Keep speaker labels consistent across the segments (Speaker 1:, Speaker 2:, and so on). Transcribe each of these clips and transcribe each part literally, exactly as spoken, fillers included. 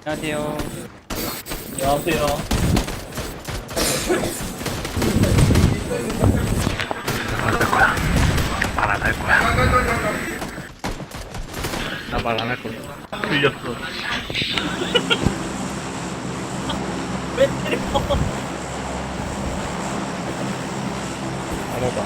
Speaker 1: 안녕하세요.
Speaker 2: 안녕하세요.
Speaker 3: 말 안 할 거야. 나 말 안 할 거야. 틀렸어.
Speaker 2: 왜 때려?
Speaker 3: 알아봐.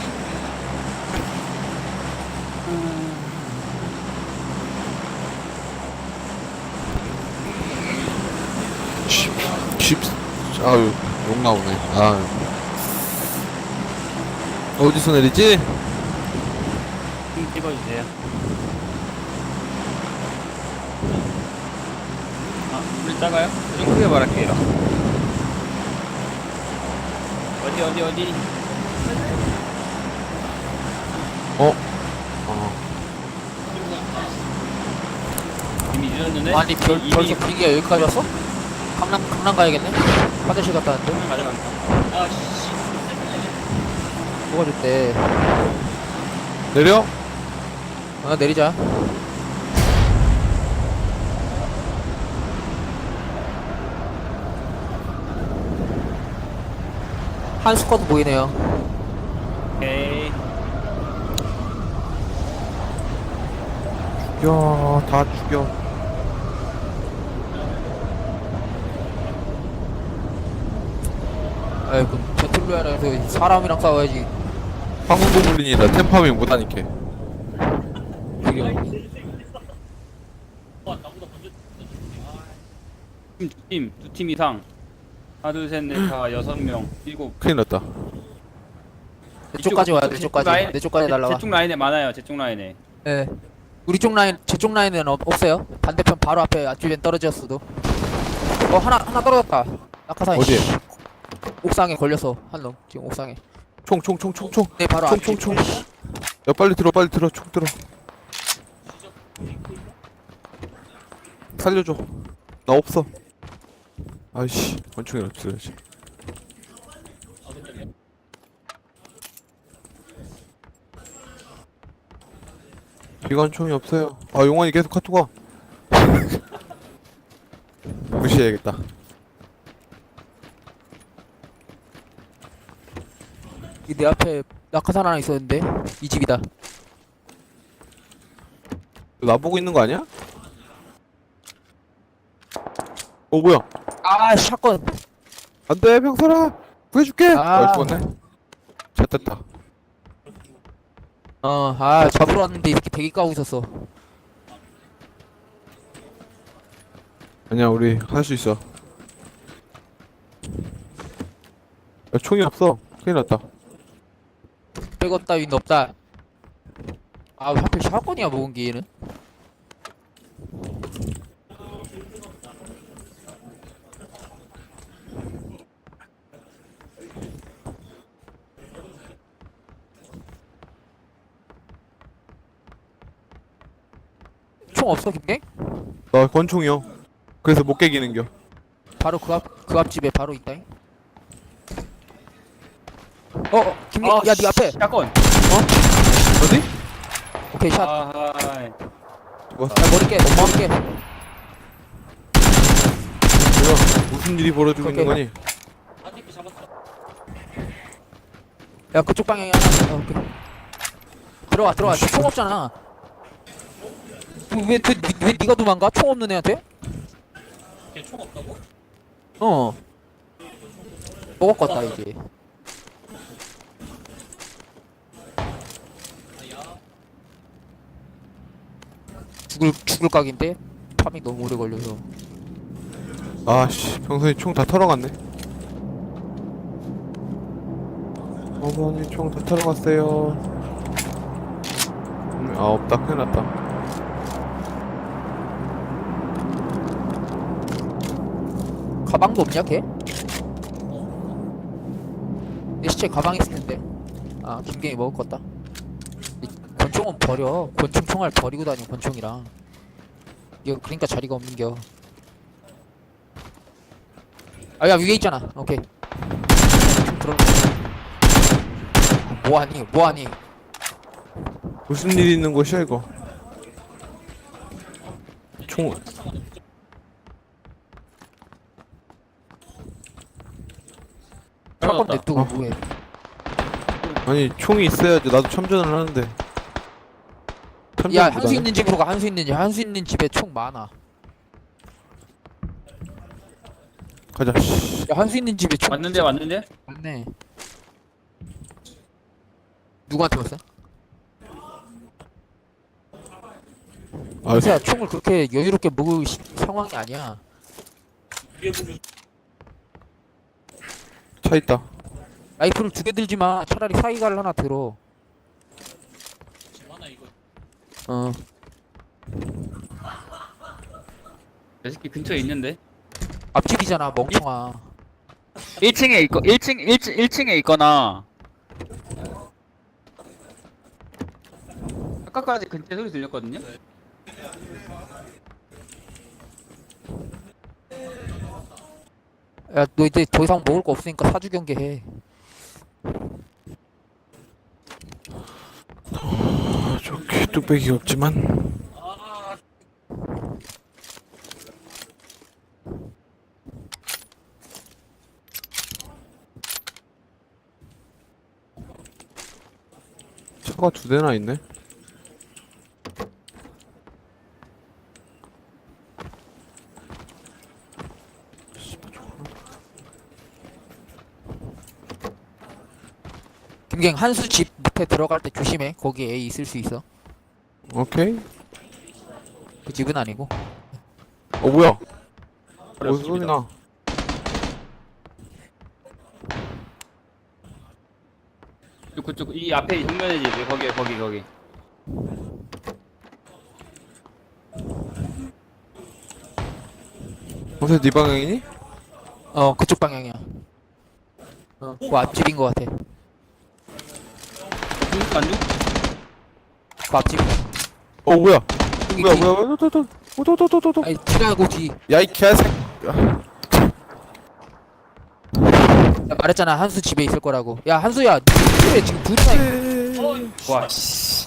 Speaker 4: 십, 십, 아유, 욕 나오네. 아유. 어디서 내리지?
Speaker 1: 좀 찍어주세요. 아, 물 작아요? 좀 크게 말할게요. 어디, 어디, 어디?
Speaker 4: 어? 어.
Speaker 1: 이미 늦었는데?
Speaker 5: 아니 별,
Speaker 1: 이미,
Speaker 5: 벌써 분위기가 여기까지 왔어? 강남 강남 가야겠네? 화장실 갔다 왔는데
Speaker 1: 이미 가져간다.
Speaker 2: 아, 씨.
Speaker 5: 뭐가 좋대.
Speaker 4: 내려?
Speaker 5: 아 내리자. 한 스쿼드 보이네요.
Speaker 1: 오케이.
Speaker 4: 죽여, 다 죽여.
Speaker 5: 아이고 배틀로얄에서 사람이랑 싸워야지.
Speaker 4: 황금고블린이라 템파밍 못하니까.
Speaker 1: 팀, 두 팀, 두 팀 이상. 하나, 둘, 셋, 넷, 다, 여섯 명, 일곱.
Speaker 4: 큰일 났다.
Speaker 5: 내 쪽까지 와야 돼. 내
Speaker 1: 제-
Speaker 5: 쪽까지.
Speaker 1: 라인-
Speaker 5: 내 쪽까지
Speaker 1: 제-
Speaker 5: 날라와.
Speaker 1: 제 쪽 라인에 많아요, 제 쪽 라인에.
Speaker 5: 예. 우리 쪽 라인, 제 쪽 라인은 없, 없어요. 반대편 바로 앞에 앞주변 떨어졌어도. 어 하나 하나 떨어졌다. 낙하산.
Speaker 4: 어디에?
Speaker 5: 옥상에 걸려서 한 놈. 지금 옥상에.
Speaker 4: 총, 총, 총, 총, 총.
Speaker 5: 네 바로
Speaker 4: 총,
Speaker 5: 앞.
Speaker 4: 총, 총. 야, 빨리 들어, 빨리 들어, 총 들어. 살려줘. 나 없어. 아이씨, 원총이라 들어야지. 기관총이 없어요. 아, 용환이 계속 카톡 와. 무시해야겠다.
Speaker 5: 이 내 앞에 낙하산 하나 있었는데 이 집이다.
Speaker 4: 나보고 있는 거 아니야? 어, 뭐야?
Speaker 5: 아 샷건.
Speaker 4: 안 돼, 병설아! 구해줄게! 아,
Speaker 5: 아.
Speaker 4: 죽었네. 잘됐다.
Speaker 5: 어, 아, 잡으러 왔는데 이렇게 대기 까고 있었어.
Speaker 4: 아니야, 우리 할 수 있어. 야, 총이 없어. 큰일 났다.
Speaker 5: 백업 따윈 없다. 아, 왜 하필 샷건이야, 먹은 게 얘는? 총 없어, 김갱?
Speaker 4: 나 권총이요. 그래서 못 깨기는겨.
Speaker 5: 바로 그 앞, 그 앞집에 바로 있다잉. 어, 어 김갱,
Speaker 1: 아,
Speaker 5: 야, 네 앞에.
Speaker 1: 샷건.
Speaker 4: 어디?
Speaker 5: 오케이, 샷. 야,
Speaker 1: 아,
Speaker 4: 죽었어.
Speaker 5: 머리 깨, 머리 깨.
Speaker 4: 뭐야? 무슨 일이 벌어지고 있는 거니?
Speaker 5: 야, 그쪽 방향이 하나. 어, 오케이. 들어와, 들어와. 총 없잖아. 왜, 왜, 왜, 왜 니가 도망가? 총 없는 애한테?
Speaker 2: 걔총 없다고?
Speaker 5: 어. 먹었겠다, 이제. 죽을, 죽을 각인데? 파밍 너무 오래 걸려서.
Speaker 4: 아씨, 병선이 총 다 털어갔네. 어머니 총 다 털어갔어요. 음, 아, 없다. 큰일 났다.
Speaker 5: 가방도 없냐, 걔? 내 시체 가방 있을 텐데. 아, 김갱이 먹었겠다. 이 권총은 버려. 권총 총알 버리고 다녀, 권총이랑. 이거, 그러니까 자리가 없는겨. 아, 야, 위에 있잖아. 오케이. 총 들어. 뭐하니, 뭐하니.
Speaker 4: 무슨 일이 있는 곳이야 이거? 총
Speaker 5: 샷건
Speaker 1: 찾았다.
Speaker 5: 냅두고
Speaker 4: 어.
Speaker 5: 뭐해.
Speaker 4: 아니 총이 있어야지 나도 참전을 하는데.
Speaker 5: 야
Speaker 4: 참전보다는-
Speaker 5: 한수 있는 집으로 가. 한수 있는 집. 한수 있는 집에 총 많아.
Speaker 4: 가자. 씨.
Speaker 5: 야 한수 있는 집에 총
Speaker 1: 왔는데 왔는데?
Speaker 5: 많네. 누구한테 왔어?
Speaker 4: 아,
Speaker 5: 한수야 총을 그렇게 여유롭게 먹을 시- 상황이 아니야.
Speaker 2: 위에 보면
Speaker 4: 차 있다.
Speaker 5: 라이프를 두 개 들지 마. 차라리 사이가를 하나 들어.
Speaker 2: 많아 이거.
Speaker 5: 어.
Speaker 1: 내 새끼 근처에 있는데?
Speaker 5: 앞집이잖아 멍청아.
Speaker 1: 일 층에 있고 일 층 일 층 일 층에 있거나 아까까지 근처 소리 들렸거든요?
Speaker 5: 야 너 이제 더 이상 먹을 거 없으니까 사주 경계해.
Speaker 4: 아, 저기 뚝배기가 없지만. 차가 두 대나 있네.
Speaker 5: 김갱 한수 집 밑에 들어갈 때 조심해. 거기 A 있을 수 있어.
Speaker 4: 오케이.
Speaker 5: 그 집은 아니고.
Speaker 4: 어 뭐야? 무슨 소리 나?
Speaker 1: 그쪽 이 앞에 정면에 집 거기 거기 거기
Speaker 4: 어서 네 방향이니?
Speaker 5: 어 그쪽 방향이야. 어, 그 앞집인 것 같아.
Speaker 1: 중국 안 죽?
Speaker 5: 그 앞집.
Speaker 4: 어 뭐야?
Speaker 5: 여기
Speaker 4: 뭐야
Speaker 5: 뒤.
Speaker 4: 뭐야? 또또또또또또.
Speaker 5: 아니 뒤라고 뒤.
Speaker 4: 야이 개새끼.
Speaker 5: 나 말했잖아 한수 집에 있을 거라고. 야 한수야 니 집에 지금 둘이나 있-
Speaker 1: 와 씨.